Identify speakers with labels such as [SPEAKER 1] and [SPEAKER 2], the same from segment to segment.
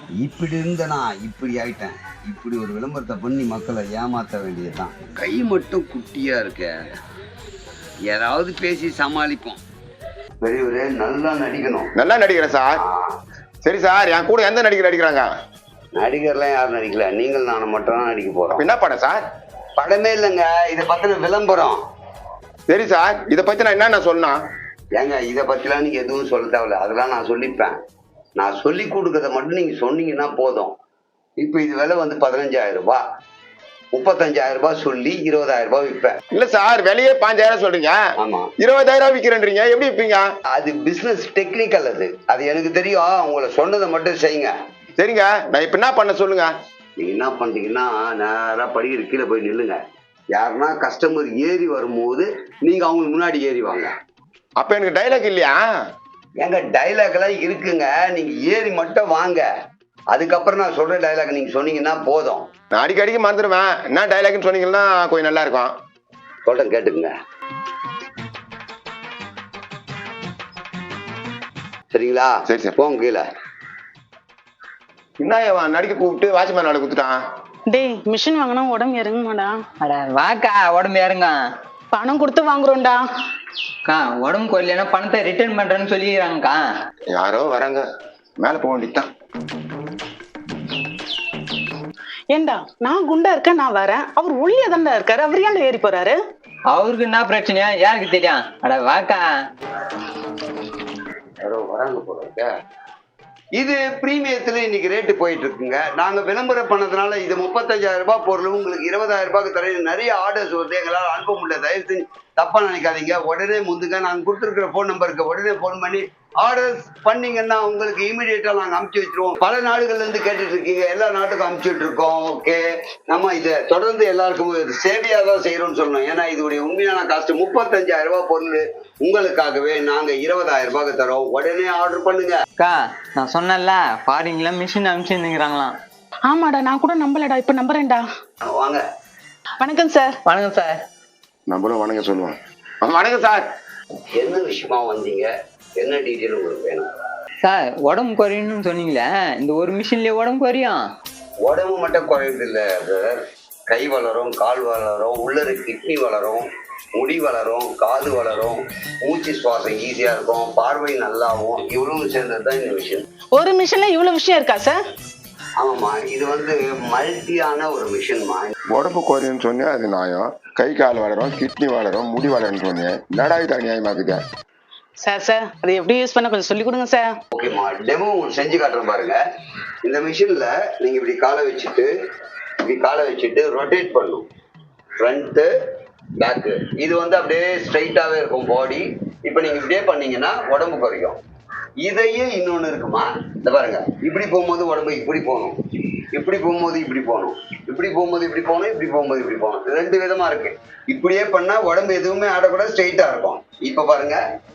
[SPEAKER 1] இப்படி இருந்தனா இப்படி ஆயிட்டேன். இப்படி ஒரு விளம்பரத்தை பண்ணி மக்களை ஏமாற்ற வேண்டியதுதான். கை மட்டும் குட்டியா இருக்க, யாராவது பேசி சமாளிப்போம். பெரியவரே நல்லா நடிக்கணும்.
[SPEAKER 2] நல்லா நடிக்கிறேன் சார். சரி சார், என் கூட எந்த நடிகர் நடிக்கிறாங்க?
[SPEAKER 1] நடிகர்லாம் யாரும் நடிக்கல, நீங்கள் நானும் மட்டும் தான் நடிக்க போறோம்.
[SPEAKER 2] என்ன படம் சார்?
[SPEAKER 1] படமே இல்லைங்க, இதை பத்தின விளம்பரம்.
[SPEAKER 2] சரி சார், இதை பத்தி நான் என்ன சொல்லணும்?
[SPEAKER 1] ஏங்க இதை பத்திலாம் நீங்க எதுவும் சொல்ல தேவையில்ல, அதெல்லாம் நான் சொல்லிப்பேன். நான் சொல்லி கொடுக்கறத மட்டும் நீங்க சொன்னீங்கன்னா போதும். இப்ப இது விலை வந்து 15,000 ரூபாய், 35,000 ரூபாய் சொல்லி 20,000 ரூபாய் விற்பேன்.
[SPEAKER 2] இல்ல சார், விலையே 5,000 சொல்றீங்க.
[SPEAKER 1] ஆமா,
[SPEAKER 2] 20,000 விற்கிறேன்றீங்க, எப்படி விற்பீங்க?
[SPEAKER 1] அது பிசினஸ் டெக்னிக்கல், அது எனக்கு தெரியும். உங்களை சொன்னதை மட்டும் செய்யுங்க.
[SPEAKER 2] சரிங்க, நான் இப்ப என்ன பண்ண சொல்லுங்க.
[SPEAKER 1] நீங்க என்ன பண்றீங்கன்னா, நேரா படிக்கிற கீழே போய் நில்லுங்க. யாருன்னா கஸ்டமர் ஏறி வரும்போது நீங்க அவங்களுக்கு முன்னாடி ஏறி வாங்க.
[SPEAKER 2] அப்ப எனக்கு டைலாக் இல்லையா?
[SPEAKER 1] எங்க டைலாக் எல்லாம் இருக்குங்க, நீங்க ஏறி மட்டும் வாங்க. அதுக்கப்புறம் நான் சொல்ற டைலாக் நீங்க சொன்னீங்கன்னா போதும்.
[SPEAKER 2] நான் அடிக்கடிக்கு மறந்துடுவேன். என்ன டைலாக்னு சொன்னீங்கன்னா கொஞ்சம் நல்லா இருக்கும்.
[SPEAKER 1] சொல்றேன், கேட்டுக்குங்க. சரிங்களா?
[SPEAKER 2] சரி சரி,
[SPEAKER 1] போங்க கீழே.
[SPEAKER 2] என்ன நடிக்க கூப்பிட்டு வாட்ச்மேன் நாளை குடுத்துட்டான்.
[SPEAKER 3] டேய், மிஷின் வாங்கினா உடம்பு இறங்குமாடா?
[SPEAKER 4] அட வாக்கா, உடம்பு இறங்க.
[SPEAKER 3] பணம் கொடுத்து வாங்குறோம்டா.
[SPEAKER 4] அக்கா, உடம்பு கொல்லைன்னா பணத்தை ரிட்டர்ன் பண்றேன்னு சொல்லிக்கிறாங்கக்கா.
[SPEAKER 2] யாரோ வராங்க, மேல போக வேண்டியதுதான்.
[SPEAKER 3] ஏண்டா, நான் குண்டா இருக்கேன், நான் வரேன். அவர் ஒல்லியா தான்டா இருக்காரு, அவர் ஏன்டா ஏறி போறாரு?
[SPEAKER 4] அவருக்கு என்ன பிரச்சனையா யாருக்கு தெரியும்? அட வாக்கா.
[SPEAKER 1] யாரோ வராங்க போல இருக்க. இது பிரீமியத்துல இன்னைக்கு ரேட்டு போயிட்டு இருக்குங்க. நாங்க விளம்பரம் பண்ணதுனால இது 35,000 ரூபாய் பொருள் உங்களுக்கு 20,000 ரூபாய்க்கு தர நிறைய ஆர்டர்ஸ் வருது, எங்களால் அனுப்ப முடியல. தயவு செஞ்சு தப்பா நினைக்காதீங்க. உடனே முந்துங்க, நாங்க கொடுத்துருக்கிற போன் நம்பருக்கு உடனே போன் பண்ணி ஆர்டர்ஸ் பண்ணீங்கன்னா உங்களுக்கு இமீடியட்டா நாங்க அனுப்பிச்சு வச்சிருவோம். பல நாடுகள்ல இருந்து கேட்டுட்டு இருக்கீங்க, எல்லா நாட்டுக்கும் அனுப்பிச்சுட்டு இருக்கோம். ஓகே, நம்ம இதை தொடர்ந்து எல்லாருக்கும் சேவையா தான் செய்யறோம்னு சொல்லணும். ஏன்னா இதோடைய உண்மையான காஸ்ட் 35,000 ரூபாய் பொருள் உங்களுக்காகவே நாங்க 20,000 ரூபாய்க்கு தரோம். உடனே ஆர்டர் பண்ணுங்க.
[SPEAKER 4] அக்கா, நான் சொன்னேன்ல, ஃபாரின்ல மிஷின் அனுப்பிச்சுங்கிறாங்களாம்.
[SPEAKER 3] ஆமாடா, நான் கூட நம்பலடா, இப்ப நம்புறேன்டா.
[SPEAKER 1] வாங்க.
[SPEAKER 3] வணக்கம் சார்.
[SPEAKER 4] வணக்கம் சார்.
[SPEAKER 2] நம்மளும் வணக்கம் சொல்லுவோம். வணக்கம் சார்.
[SPEAKER 1] என்ன விஷயமா வந்தீங்க? என்ன டீட்டெயில் உங்களுக்கு வேணும்?
[SPEAKER 4] சார், உடம்பு குறையணும்னு சொன்னீங்களே, இந்த ஒரு மிஷின்லயே உடம்பு குறையும்?
[SPEAKER 1] உடம்பு மட்டும் குறையுது இல்லை சார், கை வளரும், கால் வளரும், உள்ளது கிட்னி வளரும், முடி வளரும், காது வளரும், மூச்சு சுவாசம் ஈஸியா இருக்கும், பார்வை நல்லாவும், இவ்வளவு சேர்ந்தது தான் இந்த மிஷின்.
[SPEAKER 3] ஒரு மிஷின்ல இவ்வளவு விஷயம் இருக்கா சார்?
[SPEAKER 1] ஆமாம்மா, இது வந்து மல்டியான ஒரு மிஷின்மா.
[SPEAKER 2] உடம்பு குறையுன்னு சொன்னேன், அது நியாயம். கை கால் வளரும், கிட்னி வளரும், முடி வளரும்னு சொன்னேன். நடாயுதா நியாயமாக்குது
[SPEAKER 3] சார், அதை எப்படி யூஸ் பண்ண கொஞ்சம் சொல்லி கொடுங்க சார்.
[SPEAKER 1] ஓகேம்மா, டெமோ உங்களுக்கு செஞ்சு காட்டுறேன் பாருங்க. இந்த மிஷின்ல நீங்க இப்படி காலை வச்சுட்டு ரொட்டேட் பண்ணும். ஃப்ரண்ட்டு பேக்கு, இது வந்து அப்படியே ஸ்ட்ரைட்டாவே இருக்கும் பாடி. இப்போ நீங்க இப்படியே பண்ணீங்கன்னா உடம்பு குறையும். இதையே இன்னொன்னு இருக்குமா, இந்த பாருங்க. இப்படி போகும்போது உடம்பு இப்படி போகணும், இப்படி போகும்போது இப்படி போகணும், இப்படி போகும்போது இப்படி போகணும், இப்படி போகும்போது இப்படி போகணும். ரெண்டு விதமா இருக்கு. இப்படியே பண்ணா உடம்பு எதுவுமே ஆடக்கூடாது, ஸ்ட்ரைட்டா இருக்கும். இப்ப பாருங்க,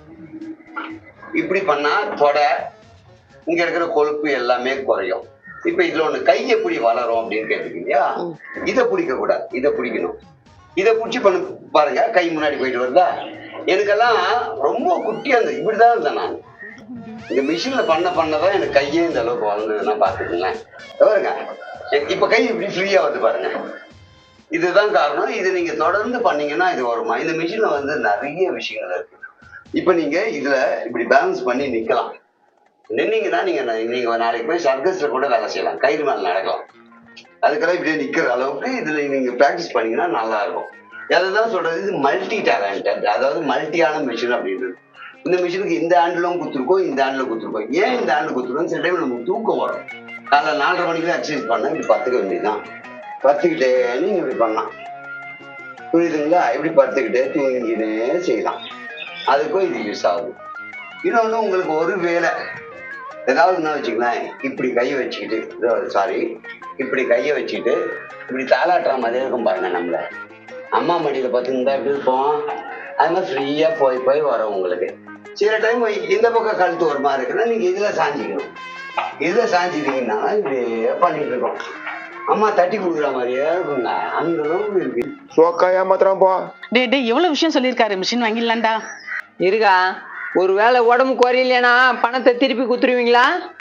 [SPEAKER 1] இப்படி பண்ணா தொடை, இங்க இருக்கிற கொழுப்பு எல்லாமே குறையும். இப்ப இதுல ஒண்ணு கை எப்படி வளரும் அப்படின்னு கேட்டுருக்கீங்க. இதை பிடிக்க கூடாது, இதை பிடிக்கணும். இதை பிடிச்சி பண்ண பாருங்க, கை முன்னாடி போயிட்டு வருதா? எனக்கெல்லாம் ரொம்ப குட்டியா இருந்தது, இப்படிதான் இருந்தேன் நான். இந்த மிஷின்ல பண்ணதான் எனக்கு கையே இந்த அளவுக்கு வளர்ந்ததுன்னா பாத்துக்கோங்களேன். பாருங்க, இப்ப கை இப்படி ஃப்ரீயா வந்து பாருங்க. இதுதான் காரணம். இது நீங்க தொடர்ந்து பண்ணீங்கன்னா இது வருமா. இந்த மிஷின்ல வந்து நிறைய விஷயங்கள் இருக்கு. இப்ப நீங்க இதுல இப்படி பேலன்ஸ் பண்ணி நிக்கலாம். நின்னீங்கன்னா நீங்க நாளைக்கு போய் சர்க்கஸ்ல கூட வேலை செய்யலாம், கயிறு மேல நடக்கலாம். அதுக்கெல்லாம் இப்படியே நிக்கிற அளவுக்கு இதுல நீங்க பிராக்டிஸ் பண்ணீங்கன்னா நல்லா இருக்கும். அதுதான் சொல்றது, இது மல்டி டேலண்டட், அதாவது மல்டியான மிஷின் அப்படின்றது. இந்த மிஷினுக்கு இந்த ஹேண்டிலும் குத்துருக்கோம், இந்த ஹேண்டில் குத்துருக்கோம். ஏன் இந்த ஹேண்டில் குத்துருக்கோம்? சில டைம் நமக்கு தூக்கம் வரும். காலைல 4:30 மணிக்கு எக்ஸசைஸ் பண்ண இப்படி பத்துக்க வேண்டியதுதான். பத்துக்கிட்டே நீங்க இப்படி பண்ணலாம், புரியுதுங்களா? இப்படி பத்துக்கிட்டே தூங்கினே செய்யலாம். அதுக்கும் இது யூஸ் ஆகுது. இன்னொன்று, உங்களுக்கு ஒரு வேலை ஏதாவது என்ன வச்சுக்கலாம், இப்படி கையை வச்சுக்கிட்டு, இப்படி கையை வச்சுக்கிட்டு இப்படி தாளாட்டுற மாதிரி இருக்கும் பாருங்க. நம்மள அம்மா மடியில பார்த்துருந்தா எப்படி இருப்போம், அது மாதிரி ஃப்ரீயா போய் வரும் உங்களுக்கு. சில டைம் இந்த பக்கம் கழுத்து ஒரு மாதிரி இருக்குன்னா நீங்க இதுல சாஞ்சிக்கணும். இதுல சாஞ்சிட்டீங்கன்னா இப்படியே பண்ணிட்டு இருக்கோம். அம்மா தட்டி கொடுக்குற மாதிரியே இருக்குங்க, அந்த அளவுக்கு இருக்கு.
[SPEAKER 2] சோக்கா ஏமாத்திரம் போ.
[SPEAKER 3] டே, எவ்வளவு விஷயம் சொல்லியிருக்காரு, மிஷின் வாங்கிடலாம்டா.
[SPEAKER 4] இருக்கா, ஒருவேளை உடம்பு குறையிலனா பணத்தை திருப்பி குத்துருவீங்களா?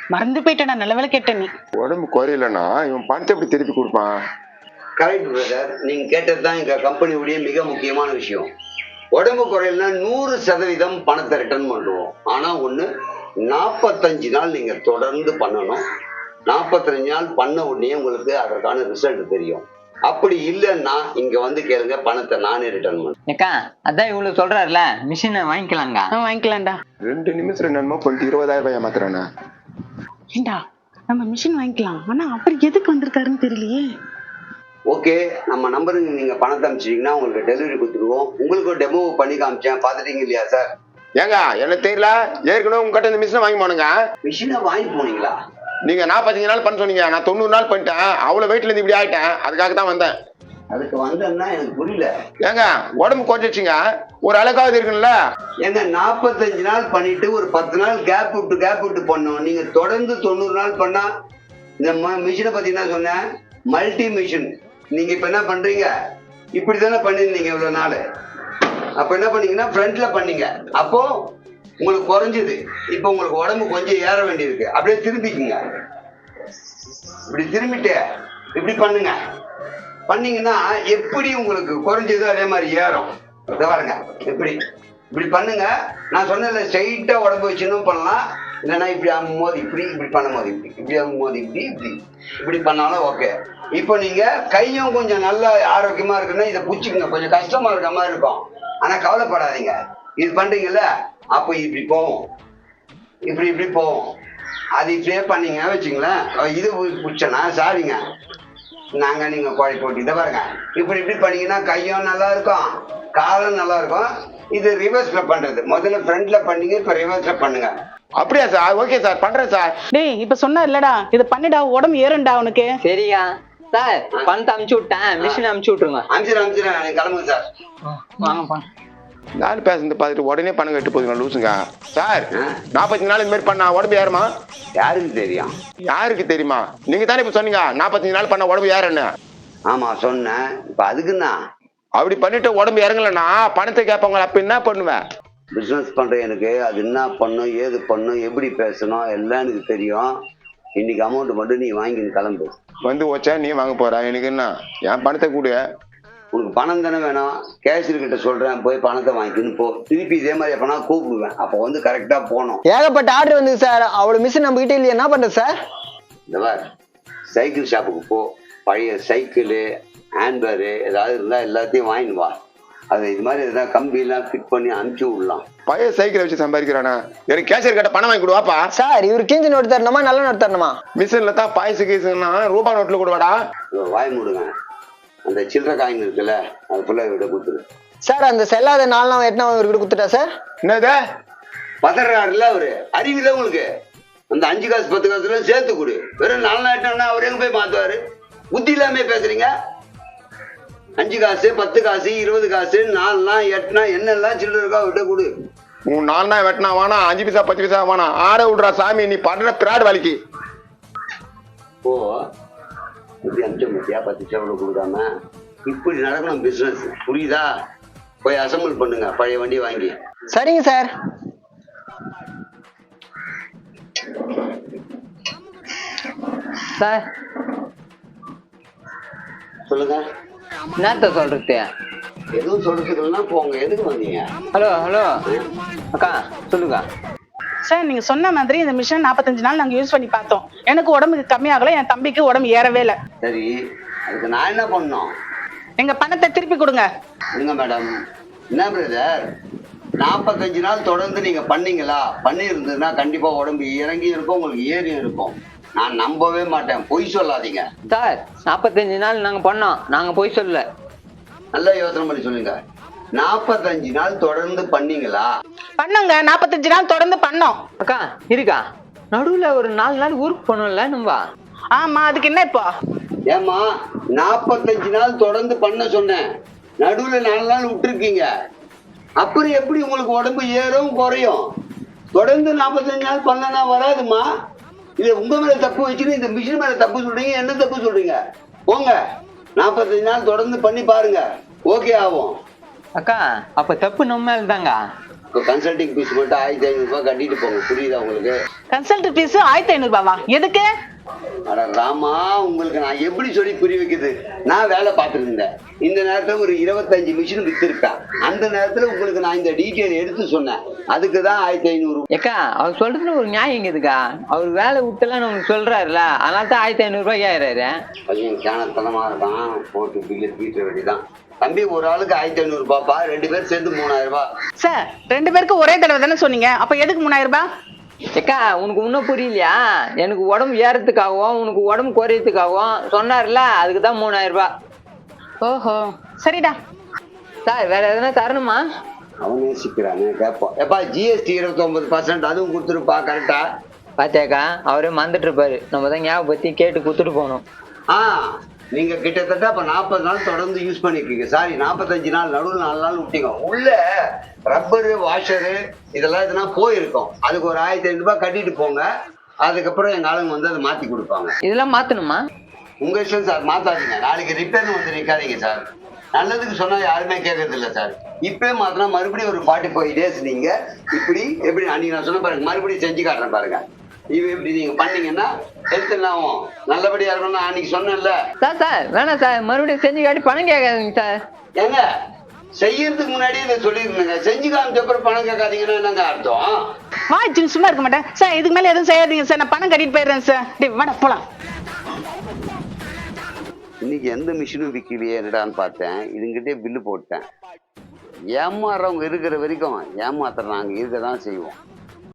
[SPEAKER 3] மறந்து போயிட்டேன், நல்ல வேலை கேட்டேன் நீ.
[SPEAKER 2] உடம்பு குறையலன்னா இவன் பணத்தை எப்படி திருப்பி கொடுப்பான்?
[SPEAKER 1] கரெக்ட் பிரதர், நீங்க கேட்டதுதான் எங்க கம்பெனியுடைய மிக முக்கியமான விஷயம். உடம்பு குறையலன்னா 100% பணத்தை ரிட்டர்ன் பண்ணுவோம். ஆனா ஒண்ணு, 45 நாள் நீங்க தொடர்ந்து பண்ணணும். 45 நாள் பண்ண உடனே உங்களுக்கு அதற்கான ரிசல்ட் தெரியும். அப்படி இல்லைன்னா இங்க வந்து கேளுங்க, பணத்தை நானே ரிட்டர்ன் பண்ணுவேன்.
[SPEAKER 4] ஏக்கா அதான் இவ்வளவு சொல்றாருல, மிஷினை வாங்கிக்கலாங்க.
[SPEAKER 3] வாங்கிக்கலாம்டா.
[SPEAKER 2] 2 நிமிஷத்துல என்னமோ பண்ணிட்டு 20,000 ரூபாய் ஏமாத்துறானே.
[SPEAKER 3] ஏண்டா நம்ம மிஷின் வாங்கிக்கலாம், ஆனா அப்படி எதுக்கு வந்திருக்காருன்னு தெரியலையே.
[SPEAKER 1] ஓகே, நம்ம நம்பருக்கு நீங்க பணத்தை அனுப்பிச்சிட்டீங்கன்னா உங்களுக்கு டெலிவரி கொடுத்துருவோம். உங்களுக்கு ஒரு டெமோ பண்ணி காமிச்சேன், பாத்துட்டீங்க இல்லையா சார்?
[SPEAKER 2] ஏங்க எனக்கு தெரியல, ஏற்கனவே உங்ககிட்ட இந்த மிஷினை வாங்கி போனுங்க.
[SPEAKER 1] மிஷினை வாங்கி போனீங்களா?
[SPEAKER 2] நீங்க 45 நாள் பண்ண சொன்னீங்க, நான் 90 நாள் பண்ணிட்டேன். அவ்வளவு வெயிட்ல இருந்து இப்படி ஆயிட்டேன், அதுக்காக தான் வந்தேன்.
[SPEAKER 1] அதுக்கு வந்தேன்னா எனக்கு புரியல.
[SPEAKER 2] ஏங்க உடம்பு குறைச்சிச்சுங்க, ஒரு அழகாவது இருக்குல்ல.
[SPEAKER 1] ஏங்க 45 நாள் பண்ணிட்டு ஒரு 10 நாள் கேப் விட்டு பண்ணோம். நீங்க தொடர்ந்து 90 நாள் பண்ணா இந்த மிஷினை பத்தி என்ன சொன்னேன்? Multi machine. நீங்க இப்ப என்ன பண்றீங்க? இப்படித்தானே பண்ணிருந்தீங்க இவ்வளவு நாள். அப்ப என்ன பண்ணீங்கன்னா ஃப்ரண்ட்ல பண்ணீங்க, அப்போ உங்களுக்கு குறைஞ்சது. இப்போ உங்களுக்கு உடம்பு கொஞ்சம் ஏற வேண்டியிருக்கு. அப்படியே திரும்பிக்குங்க, இப்படி திரும்பிட்டு இப்படி பண்ணுங்க. பண்ணீங்கன்னா எப்படி உங்களுக்கு குறைஞ்சதோ அதே மாதிரி ஏறும். இதை பாருங்க, இப்படி பண்ணுங்க. நான் சொன்னதுல ஸ்ட்ரைட்டா உடம்பு வச்சுன்னு பண்ணலாம், இல்லைன்னா இப்படி அம்மும்போது இப்படி பண்ணும்போது இப்படி அம்மும்போது இப்படி பண்ணாலும் ஓகே. இப்போ நீங்க கையும் கொஞ்சம் நல்லா ஆரோக்கியமா இருக்குன்னா இதை பிடிச்சிக்கங்க. கொஞ்சம் கஷ்டமா இருக்க மாதிரி இருக்கும், ஆனா கவலைப்படாதீங்க. இது பண்றீங்கல்ல, அப்போ இப்படி போவோம், இப்படி போவோம். அது இப்படியே பண்ணீங்க வச்சுங்களேன். இது பிடிச்சனா சாரிங்க, நீங்க குழி போட்டு இதை பாருங்க. இப்படி பண்ணீங்கன்னா கையும் நல்லா இருக்கும், காலும் நல்லா இருக்கும். இது ரிவர்ஸ்ல பண்றது. முதல்ல ஃப்ரண்ட்ல பண்ணீங்க, இப்ப ரிவர்ஸ்ல பண்ணுங்க.
[SPEAKER 2] அப்படியா சார்? ஓகே சார், பண்றேன் சார்.
[SPEAKER 3] டேய் இப்ப சொன்னா இல்லடா, இதை பண்ணிடா, உடம்பு ஏறும்டா உனக்கு.
[SPEAKER 4] சரியா சார், பணத்தை அமுச்சு விட்டேன், மிஷினை அமுச்சு விட்டுருங்க.
[SPEAKER 1] அனுப்பிச்சிடறேன், நீங்க கிளம்புங்க சார்.
[SPEAKER 4] வாங்கப்பா.
[SPEAKER 2] நாலு பேசுறது பார்த்துட்டு உடனே பணம் கட்டு போதுங்க லூசுங்க. சார் 45 நாள் இந்த மாதிரி பண்ணா உடம்பு ஏறுமா?
[SPEAKER 1] யாருக்கு தெரியும்?
[SPEAKER 2] யாருக்கு தெரியுமா? நீங்க தானே இப்ப சொன்னீங்க 45 நாள் பண்ண உடம்பு ஏறன்னு.
[SPEAKER 1] ஆமா சொன்னேன். இப்ப அதுக்குன்னா
[SPEAKER 2] அப்படி பண்ணிட்டு உடம்பு இறங்கலன்னா பணத்தை கேட்பாங்க, அப்ப என்ன பண்ணுவேன்?
[SPEAKER 1] பிசினஸ் பண்ற எனக்கு அது என்ன பண்ணும், ஏது பண்ணும், எப்படி பேசணும் எல்லாம் எனக்கு தெரியும். இன்னைக்கு அமௌண்ட் மட்டும் நீ வாங்கி கிளம்பு.
[SPEAKER 2] வந்து வச்சா நீ வாங்க போற, எனக்கு என்ன? என் பணத்தை கூடு.
[SPEAKER 1] உனக்கு பணம் தானே வேணும்? கேஷியர் கிட்ட சொல்றேன், போய் பணத்தை வாங்கிக்கின்னு போ. திருப்பி இதே மாதிரி எப்பனா கூப்பிடுவேன், அப்போ வந்து கரெக்டா போகணும்.
[SPEAKER 5] ஏகப்பட்ட ஆர்டர் வந்து சார், அவ்வளவு மிஷின் நம்ம கிட்ட இல்லையா, என்ன பண்றது சார்?
[SPEAKER 1] இந்த மாதிரி சைக்கிள் ஷாப்புக்கு போ, பழைய சைக்கிளு ஹேண்ட்பேரு ஏதாவது இருந்தா எல்லாத்தையும் வாங்கிட்டு வா. அது இது மாதிரி எதாவது கம்பியெல்லாம் ஃபிட் பண்ணி அனுப்பிச்சு விடலாம்.
[SPEAKER 2] பழைய சைக்கிளை வச்சு சம்பாதிக்கிறானா? எனக்கு கேஷியர் கிட்ட பணம் வாங்கி கொடுவாப்பா.
[SPEAKER 5] சார் இவர் கிஞ்சி நோட்டு தரணுமா நல்ல நோட்டு தரணுமா?
[SPEAKER 2] மிஷின்ல தான் பாயசு கீசுன்னா ரூபா நோட்டுல கொடுவாடா.
[SPEAKER 1] வாய் மூடுங்க. அந்த சில்லறை காயின் இருக்குல்ல, அது ஃபுல்லா இவர்கிட்ட கொடுத்துரு.
[SPEAKER 5] சார் அந்த செல்லாத 4 நாள் 8 நாள் இவர்கிட்ட கொடுத்துட்டா சார்?
[SPEAKER 2] என்னது
[SPEAKER 1] பதறாருல அவரு? அறிவில்லை உங்களுக்கு? அந்த 5 காசு 10 காசுல சேர்த்து கொடு. வெறும் 4 நாள் அவர் எங்க போய் மாத்துவாரு? புத்தி இல்லாம பேசுறீங்க. 5 காசு 10 காசு 20 காசு 4 நாள் 8 நாள் என்னெல்லாம் சில்லறை இருக்கோ அவர்கிட்ட கொடு.
[SPEAKER 2] உன் 4 நாள் வெட்டினா வேணா, 5 பைசா 10 பைசா வேணா, ஆட விடுறா சாமி. நீ பண்ற பிராட் வேலைக்கு
[SPEAKER 1] ஓ இப்படி அஞ்சு மத்தியா 10 சேவலை கொடுக்காம இப்படி நடக்கணும் பிசினஸ், புரியுதா? போய் அசம்பிள் பண்ணுங்க பழைய வண்டி வாங்கி.
[SPEAKER 5] சரிங்க சார்.
[SPEAKER 4] சார்
[SPEAKER 1] சொல்லுங்க.
[SPEAKER 4] என்னத்த சொல்றது?
[SPEAKER 1] எதுவும் சொல்றதுக்குன்னா போங்க. எதுக்கு வந்தீங்க?
[SPEAKER 4] ஹலோ அக்கா சொல்லுங்க.
[SPEAKER 3] சார் நீங்க சொன்ன மாதிரி இந்த மிஷின் 45 நாள் நாங்க யூஸ் பண்ணி பார்த்தோம். எனக்கு உடம்புக்கு கம்மியாகல, என் தம்பிக்கு உடம்பு ஏறவே இல்லை.
[SPEAKER 1] சரி, அதுக்கு நான் என்ன பண்ணணும்?
[SPEAKER 3] எங்க பணத்தை திருப்பி கொடுங்க.
[SPEAKER 1] கொடுங்க மேடம். என்ன பிரதர், 45 நாள் தொடர்ந்து நீங்க பண்ணீங்களா? பண்ணி இருந்ததுன்னா கண்டிப்பா உடம்பு இறங்கி இருக்கும், உங்களுக்கு ஏறி இருக்கும். நான் நம்பவே மாட்டேன், பொய் சொல்லாதீங்க.
[SPEAKER 4] சார் 45 நாள் நாங்க பண்ணோம், நாங்க பொய் சொல்லல.
[SPEAKER 1] நல்லா யோசனை பண்ணி சொல்லுங்க. 45 நாள் தொடர்ந்து பண்ணீங்களா?
[SPEAKER 3] பண்ணுங்க, 45 நாள் தொடர்ந்து பண்ணோம்.
[SPEAKER 4] அக்கா இருக்கா, நடுவுல ஒரு 4 நாள் ஊருக்கு போனோம்ல நம்ம.
[SPEAKER 3] ஆமா, அதுக்கு என்ன இப்போ?
[SPEAKER 1] ஏமா 45 நாள் தொடர்ந்து பண்ண சொன்னேன், நடுவுல 4 நாள் விட்டுருக்கீங்க. அப்புறம் எப்படி உங்களுக்கு உடம்பு ஏறும் குறையும்? தொடர்ந்து 45 நாள் பண்ணனா வராதுமா. இது உங்க மேல தப்பு வச்சுன்னு இந்த மிஷின் மேல தப்பு சொல்றீங்க. என்ன தப்பு சொல்றீங்க? போங்க, 45 நாள் தொடர்ந்து பண்ணி பாருங்க, ஓகே ஆகும்.
[SPEAKER 4] அக்கா அப்ப தப்பு நம்ம மேல தாங்க.
[SPEAKER 1] இப்போ கன்சல்டிங் ஃபீஸ் மட்டும் 1500 ரூபாய் கட்டிட்டு போங்க. புரியுதா உங்களுக்கு?
[SPEAKER 3] கன்சல்ட் ஃபீஸ் 1500 ரூபாவா? எதுக்கு?
[SPEAKER 1] அட ராமா, உங்களுக்கு நான் எப்படி சொல்லி புரிய வைக்கிறது? நான் வேலை பார்த்துட்டு இருந்தேன். இந்த நேரத்துல ஒரு 25 மிஷின் வித்திருக்கா. அந்த நேரத்துல உங்களுக்கு நான் இந்த டீட்டெயில் எடுத்து சொன்னேன். அதுக்கு தான் 1500.
[SPEAKER 4] ஏக்கா அவர் சொல்றதுல ஒரு நியாயம் இருக்குதுக்கா. அவர் வேலை விட்டுலாம் நமக்கு சொல்றாருல, அதனால தான் 1500 ரூபாய் ஏறாரு.
[SPEAKER 1] பையன் கேனத்தனமா இருக்கான். போட்டு பில்லு தீட்ட வேண்டிதான். தம்பி, ஒரு ஆளுக்கு 1500 ரூபாய்ப்பா. 2 பேர் சேர்ந்து 3000 ரூபாய்.
[SPEAKER 3] சார் 2 பேருக்கு ஒரே தடவை தானே சொன்னீங்க, அப்ப எதுக்கு 3000 ரூபாய்?
[SPEAKER 4] ஏக்கா உனக்கு இன்னும் புரியலையா? எனக்கு உடம்பு ஏறதுக்காகவும் உனக்கு உடம்பு குறையறதுக்காகவும் சொன்னார்ல, அதுக்கு தான் 3000 ரூபாய்.
[SPEAKER 3] ஓஹோ, சரிடா.
[SPEAKER 4] சார் வேற எதனா தரணுமா?
[SPEAKER 1] அவன் நேசிக்கிறானே, கேட்போம். எப்பா ஜிஎஸ்டி 29% அதுவும் கொடுத்துருப்பா. கரெக்டா?
[SPEAKER 4] பாத்தியாக்கா அவரே மறந்துட்டு இருப்பாரு. நம்ம தான் ஞாபகப்படுத்தி கேட்டு கொடுத்துட்டு போனோம்.
[SPEAKER 1] நீங்க கிட்டத்தட்ட அப்ப 40 நாள் தொடர்ந்து யூஸ் பண்ணிருக்கீங்க. சாரி, 45 நாள். நடுவில் 4 நாள் விட்டீங்க. உள்ள ரப்பரு, வாஷரு இதெல்லாம் எதுனா போயிருக்கும். அதுக்கு ஒரு 1500 ரூபாய் கட்டிட்டு போங்க. அதுக்கப்புறம் எங்க ஆளுங்க வந்து அதை மாத்தி கொடுப்பாங்க.
[SPEAKER 4] இதெல்லாம் மாத்தணுமா?
[SPEAKER 1] உங்க இஷ்டம் சார், மாத்தாதீங்க. நாளைக்கு ரிப்பேர்னு வந்து நிக்காதீங்க சார். நல்லதுக்கு சொன்னா யாருமே கேட்கறது இல்லை சார். இப்பவே மாத்தினா மறுபடியும் ஒரு 45 days நீங்க இப்படி எப்படி அன்னைக்கு நான் சொன்ன பாருங்க, மறுபடியும் செஞ்சு காட்டுறேன் பாருங்க. இது எப்படி நீங்க பண்ணீங்கன்னா ஹெல்த் எல்லாம் நல்லபடியா இருக்கணும்னு அன்னைக்கு சொன்னேன்ல.
[SPEAKER 4] சார் வேணாம் சார், மறுபடியும் செஞ்சு காட்டி பணம் கேட்காதீங்க சார்.
[SPEAKER 1] ஏங்க, செய்யறதுக்கு முன்னாடியே இதை சொல்லிருந்தேங்க. செஞ்சு காமிச்சப்பறம் பணம் கேட்காதீங்கன்னா என்னங்க அர்த்தம்?
[SPEAKER 3] வாய்ச்சு சும்மா இருக்க மாட்டேன் சார். இதுக்கு மேல எதுவும் செய்யாதீங்க சார். நான் பணம் கட்டிட்டு போயிடுறேன் சார். டேய் வாடா போலாம்.
[SPEAKER 1] இன்னைக்கு எந்த மிஷினும் விற்கலையே என்னடான்னு பார்த்தேன். இதுங்கிட்டே பில்லு போட்டேன். ஏமாறுறவங்க இருக்கிற வரைக்கும் ஏமாத்துற நாங்கள் இருக்க தான் செய்வோம்.